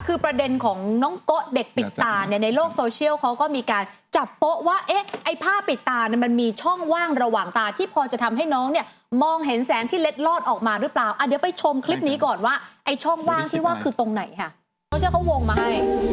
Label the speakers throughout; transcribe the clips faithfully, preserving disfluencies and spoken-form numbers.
Speaker 1: คือประเด็นของน้องโกะเด็กปิดตาเนี่ยในโลกโซเชียลเขาก็มีการจับโป๊ะว่าเอ๊ะไอ้ผ้าปิดตาเนี่ยมันมีช่องว่างระหว่างตาที่พอจะทำให้น้องเนี่ยมองเห็นแสงที่เล็ดลอดออกมาหรือเปล่าอ่ะเดี๋ยวไปชมคลิปนี้ก่อนว่าไอ้ช่องว่างที่ว่าคือตรงไหนค่ะโซเชียลเขาวงมาให้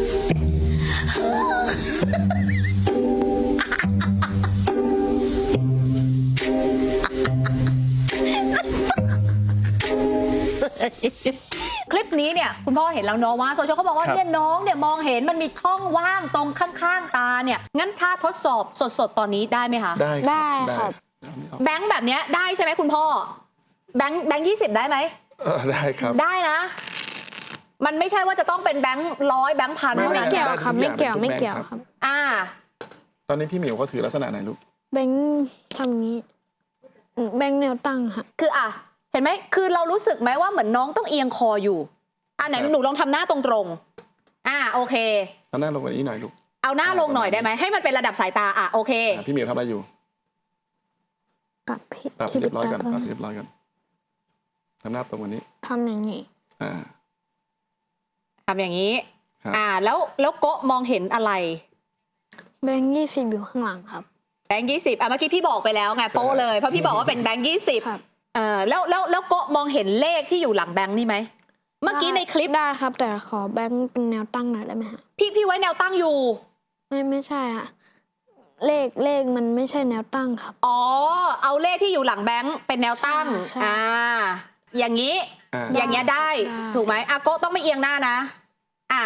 Speaker 1: คลิปนี้เนี่ยคุณพ่อเห็นแล้วเนาะว่าโซเชียลเขาบอกว่าเนี่ยน้องเนี่ยมองเห็นมันมีช่องว่างตรงข้างๆตาเนี่ยงั้นถ้าทดสอบสดๆตอนนี้ได้ไหมคะ
Speaker 2: ได้
Speaker 3: ได้ครับ
Speaker 1: แบงค์แบบนี้ได้ใช่ไหมคุณพ่อแบงค์แบงค์ยี่สิบได้ไหม
Speaker 2: เออได้ครับ
Speaker 1: ได้นะมันไม่ใช่ว่าจะต้องเป็นแบงค์ร้อยแบงค์พัน
Speaker 3: ไม่เกี่ยวครับไม่เกี่ยวไม่เกี่ยวครับ
Speaker 1: อ่า
Speaker 2: ตอนนี้พี่หมิวเขาถือลักษณะไหนลูก
Speaker 3: แบงค์ทำงี้แบงค์แนวตั้งค่ะ
Speaker 1: คืออ่ะเห็นไหมคือเรารู้สึกไหมว่าเหมือนน้องต้องเอียงคออยู่อ่ะไหนหนูลองทำหน้าตรงๆอ่าโอเค
Speaker 2: เอาหน้าลงกว่านี้หน่อยลูก
Speaker 1: เอาหน้าลงหน่อยได้ไหมให้มันเป็นระดับสายตาอ่ะโอเค
Speaker 2: พี่หมิวทำอะไรอยู่
Speaker 3: ปรับ
Speaker 2: ปรับเรียบร้อยกันปรับเรียบร้อยกันทำหน้าตรงกว่านี้
Speaker 3: ทำอย่างนี้
Speaker 2: อ่า
Speaker 1: ทำอย่างนี้อ่าแล้วแล้วโกะมองเห็นอะไร
Speaker 3: แบงค์ยี่สิบอยู่ข้างหลังครับ
Speaker 1: แบงค์ยี่สิบอ่ะเมื่อกี้พี่บอกไปแล้วไงโป๊ะเลยเพราะพี่บอกว่าเป็นแบงค์ยี่สิบเออแล้วแล้วแล้วโกะมองเห็นเลขที่อยู่หลังแบงค์นี่ไหมเมื่อกี้ในคลิป
Speaker 3: ได้ครับแต่ขอแบงค์เป็นแนวตั้งหน่อยได้ไหมฮะ
Speaker 1: พี่พี่ไว้แนวตั้งอยู่
Speaker 3: ไม่ไม่ใช่ฮะเลขเลขมันไม่ใช่แนวตั้งครับ
Speaker 1: อ๋อเอาเลขที่อยู่หลังแบงค์เป็นแนวตั้งอ่าอย่างนี้อย่างเงี้ยได้ถูกไหมอ่ะโกะต้องไม่เอียงหน้านะอ่ะ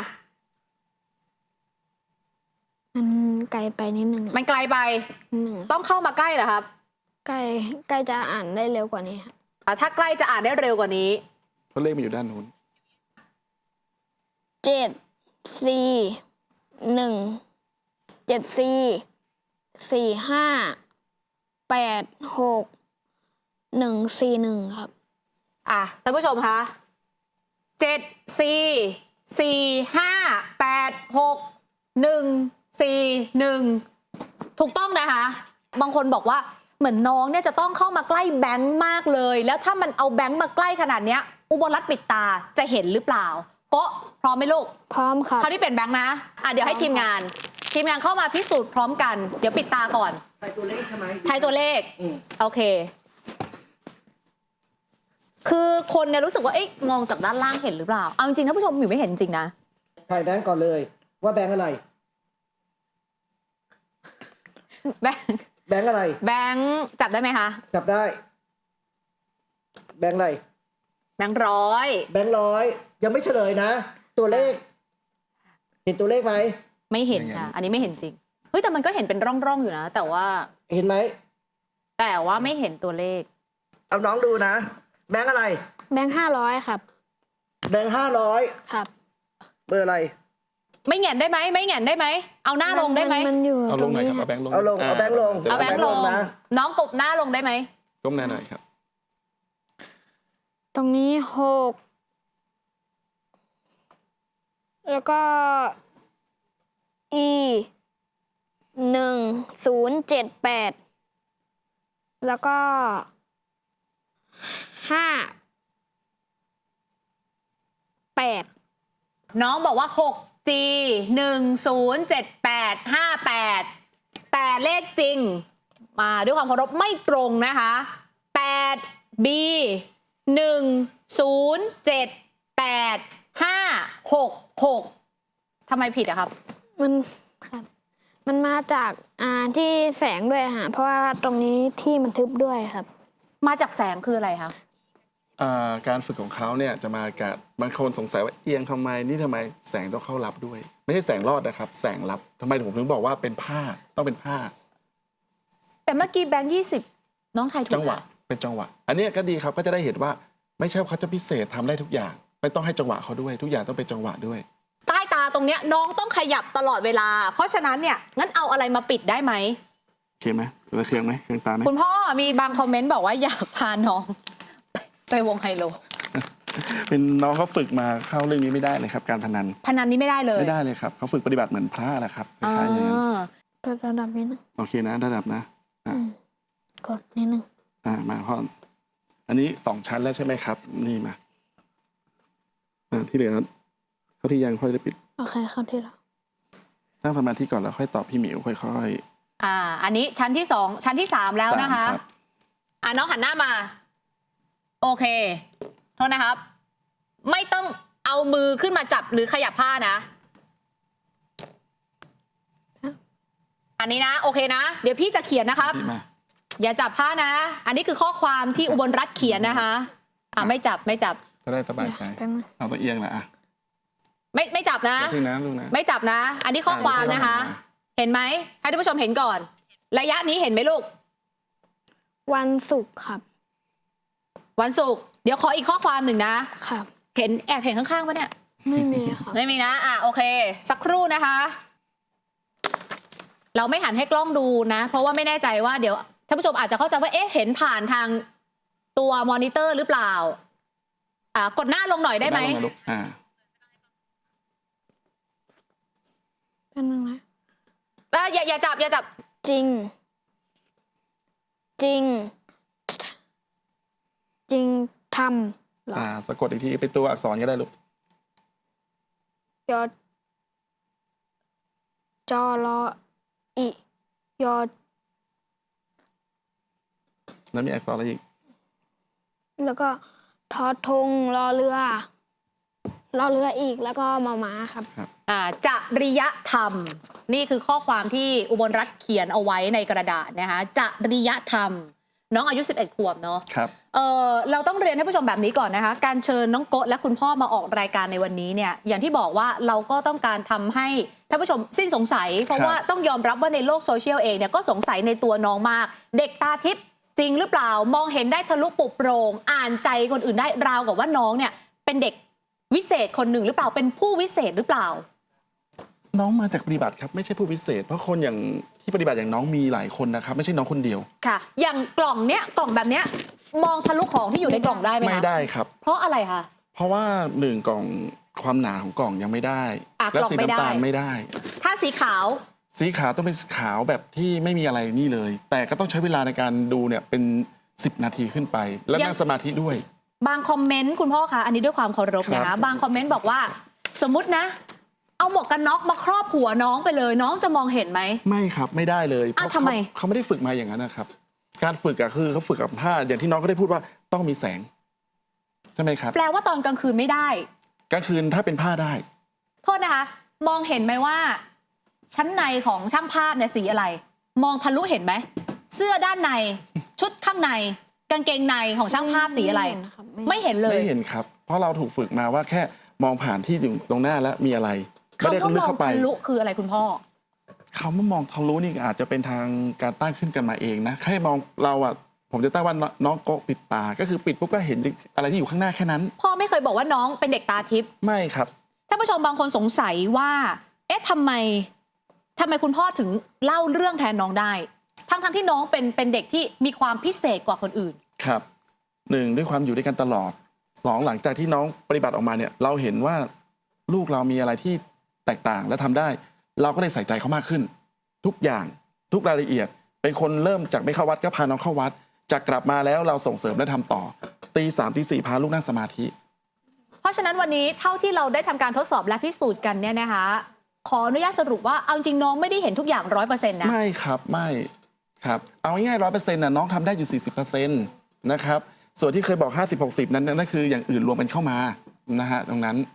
Speaker 3: มันไกลไปนิดนึง
Speaker 1: มันไกลไปต้องเข้ามาใกล้เหรอครับ
Speaker 3: ใกล้ใกล้จะอ่านได้เร็วกว่านี้ครับ
Speaker 1: อ่ะถ้าใกล้จะอ่านได้เร็วกว่านี้
Speaker 2: เพราะเลขมันอยู่ด้านนู้น
Speaker 3: เจ็ดสี่หนึ่งเจ็ดสี่สี่ห้าแปดหกหนึ่งสี่หนึ่งครับ
Speaker 1: อ่ะท่านผู้ชมคะเจ็ดสี่สี่ห้าแปดหกหนึ่งสี่หนึ่งถูกต้องนะคะบางคนบอกว่าเหมือนน้องเนี่ยจะต้องเข้ามาใกล้แบงค์มากเลยแล้วถ้ามันเอาแบงค์มาใกล้ขนาดเนี้ยอุบลรัตน์ปิดตาจะเห็นหรือเปล่าก็พร้อมไหมลูก
Speaker 3: พร้อมครับ
Speaker 1: เขาที่เป็นแบงค์นะอ่ะเดี๋ยวให้ทีมงานทีมงานเข้ามาพิสูจน์พร้อมกันเดี๋ยวปิดตาก่อน
Speaker 4: ทายตัวเลขใช่ไหม
Speaker 1: ทายตัวเลขโอเคคือคนเนี่ยรู้สึกว่าเอ๊ะมองจากด้านล่างเห็นหรือเปล่าเอาจริงๆท่านผู้ชมอยู่ไม่เห็นจริงนะ
Speaker 4: ทายแบงก์ก่อนเลยว่าแบงก์อะไร
Speaker 1: แบงค์
Speaker 4: แบงก์อะไร
Speaker 1: แบงค์จับได้ไหมคะ
Speaker 4: จับได้แบงก์อะไร
Speaker 1: แบงค์ร้อย
Speaker 4: แบงก์ร้อยยังไม่เฉลยนะตัวเลขเห็นตัวเลขไหม
Speaker 1: ไม่เห็นค่ะอันนี้ไม่เห็นจริงเฮ้ยแต่มันก็เห็นเป็นร่องๆอยู่นะแต่ว่า
Speaker 4: เห็นไหม
Speaker 1: แต่ว่าไม่เห็นตัวเลข
Speaker 4: เอาน้องดูนะแบงก์อะไร
Speaker 3: แบงค์ห้าร้อยครับ
Speaker 4: แบงค์ห้าร้อย
Speaker 3: ครับ
Speaker 4: เบอร์อะไร
Speaker 1: ไม่แหงนได้ไหมไม่แหงนได้ไหมเอาหน้าลงได้ไหม
Speaker 3: มันอยู่
Speaker 2: เอาลงหน่อยครับเอาแบงค์ลง
Speaker 4: เอาลงเอาแบงค์ลง
Speaker 1: เอาแบงค์ลงนะน้องกบหน้าลงได้ไหม
Speaker 2: ก้มหน้าหน่อยครับ
Speaker 3: ตรงนี้หกแล้วก็ e หนึ่งศูนย์เจ็ดแปดแล้วก็ห้าแปด
Speaker 1: น้องบอกว่า หก จี หนึ่ง ศูนย์ เจ็ด แปด ห้า แปด แต่เลขจริงมาด้วยความเคารพไม่ตรงนะคะ แปด บี หนึ่ง ศูนย์ เจ็ด แปด ห้า หก หกทำไมผิดอะครับ
Speaker 3: มันครับมันมาจากอ่าที่แสงด้วยฮะเพราะว่าตรงนี้ที่มันทึบด้วยครับ
Speaker 1: มาจากแสงคืออะไรคะ
Speaker 2: การฝึกของเขาเนี่ยจะมากับบางคนสงสัยว่าเอียงทำไมนี่ทำไมแสงต้องเข้ารับด้วยไม่ใช่แสงรอดนะครับแสงรับทำไมผมถึงบอกว่าเป็นผ้าต้องเป็นผ้า
Speaker 1: แต่เมื่อกี้แบงค์ยี่สิบน้องไทยถูก
Speaker 2: จังหวะเป็นจังหวะอันนี้ก็ดีครับก็จะได้เห็นว่าไม่ใช่เขาจะพิเศษทำได้ทุกอย่างไม่ต้องให้จังหวะเขาด้วยทุกอย่างต้องเป็นจังหวะด้วย
Speaker 1: ใต้ตาตรงเนี้ยน้องต้องขยับตลอดเวลาเพราะฉะนั้นเนี่ยงั้นเอาอะไรมาปิดได้ไหม
Speaker 2: โอเคไหมเราเคืองไหมเคืองตาไหม
Speaker 1: คุณพ่อมีบางคอมเมนต์บอกว่าอยากพาน้องไปวงไฮโล
Speaker 2: เป็นน้องเขาฝึกมาเข้าเรื่องนี้ไม่ได้เลยครับการพนัน
Speaker 1: พนันนี้ไม่ได้เลย
Speaker 2: ไม่ได้เลยครับเขาฝึกปฏิบัติเหมือนพระแหละครับคล้ายๆอย่างนั้น
Speaker 3: ระดับนี้นะ
Speaker 2: โอเคนะระดับนะ
Speaker 3: กดนิดนึง
Speaker 2: อ่ามาพ่ออันนี้สองชั้นแล้วใช่ไหมครับนี่มาที่เหลือเขาที่ยังค่อยได้ปิด
Speaker 3: โอเคครับที่แล้ว
Speaker 2: ตั้งสมาธิก่อนแล้วค่อยตอบพี่หมิวค่อย
Speaker 1: อ่า อันนี้ชั้นที่สองชั้นที่สาม
Speaker 2: ๆ
Speaker 1: แล้วนะคะ
Speaker 2: สามรับ
Speaker 1: อ่าน้องหันหน้ามา โอเคโทษนะครับ ไม่ต้องเอามือขึ้นมาจับหรือขยับผ้านะ อันนี้นะ โอเคนะ เดี๋ยวพี่จะเขียนนะครับ
Speaker 2: พี่มา
Speaker 1: อย่าจับผ้านะ อันนี้คือข้อความที่อุบลรัตน์เขียนนะคะ อ่าไม่จับไม่จับ
Speaker 2: จะได้สบายใจ
Speaker 3: แป๊บนึง
Speaker 2: เอาตัวเอียงนะอ่ะ
Speaker 1: ไม่ไม่จับนะ
Speaker 2: พี่นะลูกนะ
Speaker 1: ไม่จับนะ อันนี้ข้อความนะคะ เห็นไหมให้ท่านผู้ชมเห็นก่อน ระยะนี้เห็นไหมลูก
Speaker 3: วันศุกร์ครับ
Speaker 1: วันศุกร์เดี๋ยวขออีกข้อความหนึ่งนะ
Speaker 3: ครับ
Speaker 1: เห็นแอบเห็นข้างๆปะเนี่ย
Speaker 3: ไม่มีครับ
Speaker 1: ไม่มีนะ อ่ะโอเค สักครู่นะคะ เราไม่หันให้กล้องดูนะ เพราะว่าไม่แน่ใจว่าเดี๋ยวท่านผู้ชมอาจจะเข้าใจว่าเอ๊ะเห็นผ่านทางตัวมอนิเตอร์หรือเปล่า อ่ากดหน้าลงหน่อยได้ไหม
Speaker 2: น้าลงาลูกอ่า
Speaker 3: แป๊บนึงนะ
Speaker 1: อ่ะอย่าอย่าจับอย่าจับ
Speaker 3: จริง จริง จริงทำเหรอ
Speaker 2: อ่าสะกดอีกทีเป็นตัวอักษรก็ได้ลูก
Speaker 3: ยอจอรออียอ
Speaker 2: แล้วมีอักษรอะไรอีก
Speaker 3: แล้วก็ทอทงรอเรือ รอเรืออีกแล้วก็มาม้าครับ
Speaker 1: อ่าจริยธรรม นี่คือข้อความที่อุบลรัตน์เขียนเอาไว้ในกระดาษนะคะจริยธรรม น้องอายุสิบเอ็ดขวบเนาะ
Speaker 2: ครับ
Speaker 1: เออเราต้องเรียนให้ผู้ชมแบบนี้ก่อนนะคะ การเชิญน้องโกะและคุณพ่อมาออกรายการในวันนี้เนี่ยอย่างที่บอกว่าเราก็ต้องการทำให้ท่านผู้ชมสิ้นสงสัย เพราะ
Speaker 2: ครับ
Speaker 1: ว่าต้องยอมรับว่าในโลกโซเชียลเองเนี่ยก็สงสัยในตัวน้องมาก เด็กตาทิพย์จริงหรือเปล่ามองเห็นได้ทะลุปลุกโปร่งอ่านใจคนอื่นได้ราวกับว่าน้องเนี่ยเป็นเด็กวิเศษคนหนึ่งหรือเปล่าเป็นผู้วิเศษหรือเปล่า
Speaker 2: น้องมาจากปฏิบัติครับไม่ใช่ผู้พิเศษ เพราะคนอย่างที่ปฏิบัติอย่างน้องมีหลายคนนะครับ ไม่ใช่น้องคนเดียว
Speaker 1: ค่ะ อย่างกล่องเนี้ยกล่องแบบเนี้ยมองทะลุของที่อยู่ในกล่องได้ไหมคะ
Speaker 2: ไม่ได้ครับ
Speaker 1: เพราะอะไรคะ
Speaker 2: เพราะว่าหนึ่งกล่องความหนาของกล่องยังไม่ได้
Speaker 1: อ่ะ
Speaker 2: และ
Speaker 1: กล่อง
Speaker 2: สี
Speaker 1: ไม่ได้
Speaker 2: น้ำตาลไม่ได้
Speaker 1: ถ้าสีขาว
Speaker 2: สีขาวต้องเป็นขาวแบบที่ไม่มีอะไรนี่เลย แต่ก็ต้องใช้เวลาในการดูเนี่ยเป็นสิบนาทีขึ้นไป แล้ว
Speaker 1: ยัง
Speaker 2: นั่งสมาธิด้วย
Speaker 1: บางคอมเมนต์คุณพ่อคะอันนี้ด้วยความเคารพนะ
Speaker 2: ครั
Speaker 1: คะ
Speaker 2: บ
Speaker 1: บางคอมเมนต์บอกว่าสมมตินะ เอาหมวกกันน็อกมาครอบหัวน้องไปเลย น้องจะมองเห็นไหม
Speaker 2: ไม่ครับไม่ได้เลยเพ
Speaker 1: อ้าว
Speaker 2: ราะ
Speaker 1: ทำไม
Speaker 2: เขาเขาไม่ได้ฝึกมาอย่างนั้นนะครับ การฝึกอะคือเขาฝึกกับผ้าอย่างที่น้องก็ได้พูดว่าต้องมีแสงใช่ไหมครับ
Speaker 1: แปลว่าตอนกลางคืนไม่ได้
Speaker 2: กลางคืนถ้าเป็นผ้าได้
Speaker 1: โทษนะคะ มองเห็นไหมว่า ชั้นในของช่างภาพเนี่ยสีอะไร มองทะลุเห็นไหมเสื้อด้านใน ชุดข้างในกางเกงในของช่างภาพสีอะไร
Speaker 3: ไม่เห็นนะครับไม่
Speaker 1: ไม่เห็นเลย
Speaker 2: ไม่เห็นครับ เพราะเราถูกฝึกมาว่าแค่มองผ่านที่อยู่ตรงหน้าแล้วมีอะไรไม่ได้
Speaker 1: คำว่า
Speaker 2: ลึก
Speaker 1: มอง
Speaker 2: เข้าไป
Speaker 1: ทะลุคืออะไรคุณพ่อ
Speaker 2: เขามามองทะลุนี่อาจจะเป็นทางการตั้งขึ้นกันมาเองนะแค่มองเราอะผมจะตั้งว่าน้องโกะปิดตา ก็คือปิดปุ๊บก็เห็นอะไรที่อยู่ข้างหน้าแค่นั้น
Speaker 1: พ่อไม่เคยบอกว่าน้องเป็นเด็กตาทิพย์
Speaker 2: ไม่ครับ
Speaker 1: ท่านผู้ชมบางคนสงสัยว่า เอ๊ะทำไมทำไมคุณพ่อถึงเล่าเรื่องแทนน้องได้ ทั้งทั้งที่น้องเป็นเป็นเด็กที่มีความพิเศษกว่าคนอื่น
Speaker 2: ครับหนึ่งด้วยความอยู่ด้วยกันตลอดสองหลังจากที่น้องปฏิบัติออกมาเนี่ย เราเห็นว่าลูกเรามีอะไรที่แตกต่างและทำได้ เราก็เลยใส่ใจเขามากขึ้น ทุกอย่างทุกรายละเอียด เป็นคนเริ่มจากไม่เข้าวัดก็พาน้องเข้าวัดจากกลับมาแล้วเราส่งเสริมและทำต่อตีสามตีสี่พาลูกนั่งสมาธิ
Speaker 1: เพราะฉะนั้นวันนี้เท่าที่เราได้ทำการทดสอบและพิสูจน์กันเนี่ยนะคะ ขออนุญาตสรุปว่าเอาจริงน้องไม่ได้เห็นทุกอย่างร้อยเปอร์เซ็นต์นะ
Speaker 2: ไม่ครับไม่ครับเอาง่ายๆร้อยเปอร์เซ็นต์นะน้องทำได้อยู่สี่สิบเปอร์เซ็นต์นะครับส่วนที่เคยบอกห้าสิบหกสิบนั้นนั่นคืออย่างอื่นรวมกันเข้ามานะฮะตรงนั้น